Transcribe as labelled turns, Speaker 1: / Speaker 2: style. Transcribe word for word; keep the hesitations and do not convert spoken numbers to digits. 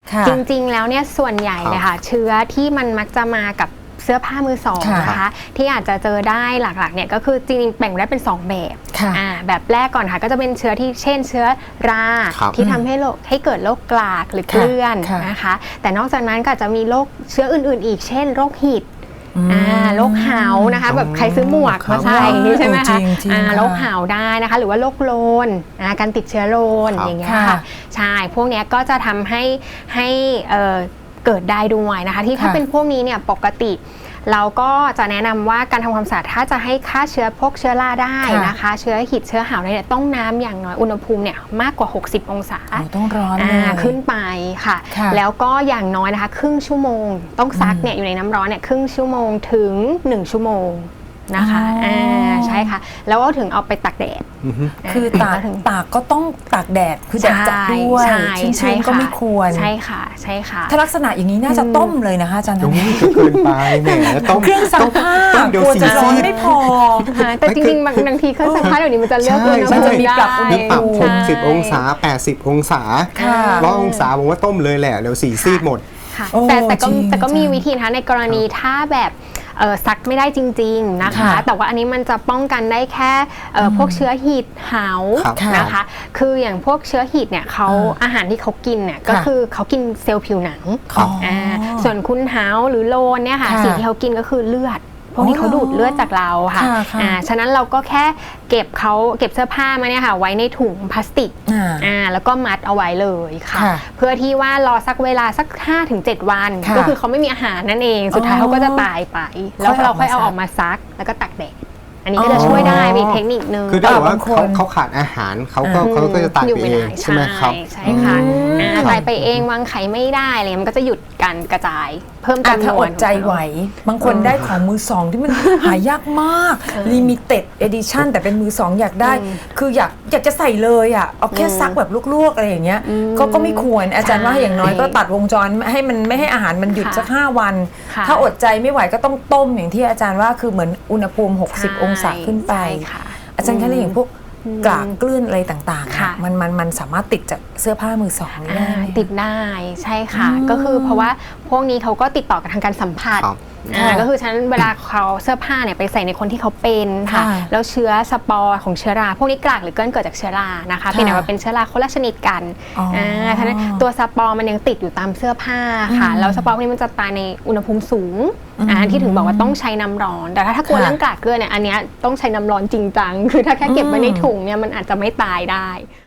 Speaker 1: จริงๆแล้วเนี่ยส่วนใหญ่เลยค่ะเชื้อที่มันมักจะมากับเสื้อผ้ามือสองนะคะที่อาจจะเจอได้หลักๆเนี่ยก็คือจริงๆแบ่งได้เป็นสองแบบแบบแรกก่อนค่ะก็จะเป็นเชื้อที่เช่นเชื้อราที่ทำให้โรคให้เกิดโรคกลากหรือเกลื่อนนะคะแต่นอกจากนั้นก็จะมีโรคเชื้ออื่นๆอีกเช่นโรคหิดโรคหาวนะคะแบบใครซื้อหมวกมาใส่ใช่ไหมคะโรคหาวได้นะคะหรือว่าโรคโรนการติดเชื้อโรนอย่างเงี้ยค่ะใช่พวกนี้ก็จะทำให้ให้เกิดได้ด้วยนะคะที่ถ้าเป็นพวกนี้เนี่ยปกติเราก็จะแนะนำว่าการทำความสะอาดถ้าจะให้ฆ่าเชื้อพวกเชื้อราได้นะคะเชื้อหิดเชื้อหาวเนี่ยต้องน้ำอย่างน้อยอุณหภูมิเนี่ยมากกว่าหกสิบองศา
Speaker 2: ต้องร้อนเลย
Speaker 1: ขึ้นไปค่ะแล้วก็อย่างน้อยนะคะครึ่งชั่วโมงต้องซักเนี่ยอยู่ในน้ำร้อนเนี่ยครึ่งชั่วโมงถึงหนึ่งชั่วโมงนะคะอ่าใช่ค่ะแล้วก็ถึงเอาไปตากแดด
Speaker 2: คือตากตากก็ต้องตากแดดคือแดดจัดด้วยชื้นๆก็ไม่ควร
Speaker 1: ใช่ค่ะใช่ค่ะ
Speaker 2: ถ้าลักษณะอย่างนี้น่าจะต้มเลยนะคะอาจารย์
Speaker 3: ตรงนี้เกินไปแหมต้ม
Speaker 2: เครื่องซักผ้ากลัวจะร้อนไม่พอ
Speaker 1: แต่จริงๆบางทีเครื่องซักผ้าเดี๋ยวนี้มันจะเลือกเลยนะ
Speaker 3: มัน
Speaker 1: จะมีปรับ
Speaker 3: อุณหภูมิหกสิบองศาแปดสิบองศาร้อยองศาผมว่าต้มเลยแหละเดี๋ยวสีซีดหมด
Speaker 1: แต่แต่ก็แต่ก็มีวิธีนะคะในกรณีถ้าแบบซักไม่ได้จริงๆนะคะแต่ว่าอันนี้มันจะป้องกันได้แค่พวกเชื้อหิดหาวนะคะคืออย่างพวกเชื้อหิดเนี่ยเขาอาหารที่เขากินเนี่ยก็คือเขากินเซลล์ผิวหนังส่วนคุณหาวหรือโลนเนี่ยค่ะสิ่งที่เขากินก็คือเลือดพวกนี้เขาดูดเลือดจากเราค่ะอ่าฉะนั้นเราก็แค่เก็บเขาเก็บเสื้อผ้ามาเนี่ยค่ะไว้ในถุงพลาสติกอ่าแล้วก็มัดเอาไว้เลยค่ะเพื่อที่ว่ารอสักเวลาสัก ห้าถึงเจ็ด วันก็คือเขาไม่มีอาหารนั่นเองสุดท้ายเขาก็จะตายไปแล้วเราค่อยเอาออกมาซักแล้วก็ตักแดดอันนี้ก็จะช่วยได้มีเทคนิคนึง
Speaker 3: คือถ้าว่าเขาเขาขาดอาหารเขาก็เขาก็จะตายไปเองใช่ไหมครับ
Speaker 1: ใช่ค่ะตายไปเองวางไข่ไม่ได้อะไรมันก็จะหยุดการกระจายเพิ่มจำนวน
Speaker 2: ถ้าอดใจไหวบางคนได้ของมือสองที่มันหายากมาก limited edition แต่เป็นมือสองอยากได้คืออยากอยากจะใส่เลยอ่ะเอาแค่ซักแบบลวกๆอะไรอย่างเงี้ยก็ก็ไม่ควรอาจารย์ว่าอย่างน้อยก็ตัดวงจรให้มันไม่ให้อาหารมันหยุดสักห้าวันถ้าอดใจไม่ไหวก็ต้องต้มอย่างที่อาจารย์ว่าคือเหมือนอุณหภูมิหกสิบองศาขึ้นไปอาจารย์คะเรื่องอย่างพวกกลากเกลื่อนอะไรต่างๆมันมันมันสามารถติดจากเสื้อผ้ามือสองได้
Speaker 1: ติดได้ใช่ค่ะก็คือเพราะว่าพวกนี้เขาก็ติดต่อกับทางการสัมผัสก็คือฉะนั้นเวลาเขาเสื้อผ้าเนี่ยไปใส่ในคนที่เขาเป็นค่ะแล้วเชื้อสปอร์ของเชื้อราพวกนี้กลากหรือเกลื่อนเกิดจากเชื้อรานะคะเป็นแบบเป็นเชื้อราคนละชนิดกันอ่าฉะนั้นตัวสปอร์มันยังติดอยู่ตามเสื้อผ้าค่ะแล้วสปอร์พวกนี้มันจะตายในอุณหภูมิสูงอ่าที่ถึงบอกว่าต้องใช้น้ำร้อนแต่ถ้าถ้ากลัวเรื่องกลากเกลือเนี่ยอันเนี้ยต้องใช้น้ำร้อนจริงจังคือถ้าแค่เก็บไว้ในถุงเนี่ยมันอาจจะไม่ตายได้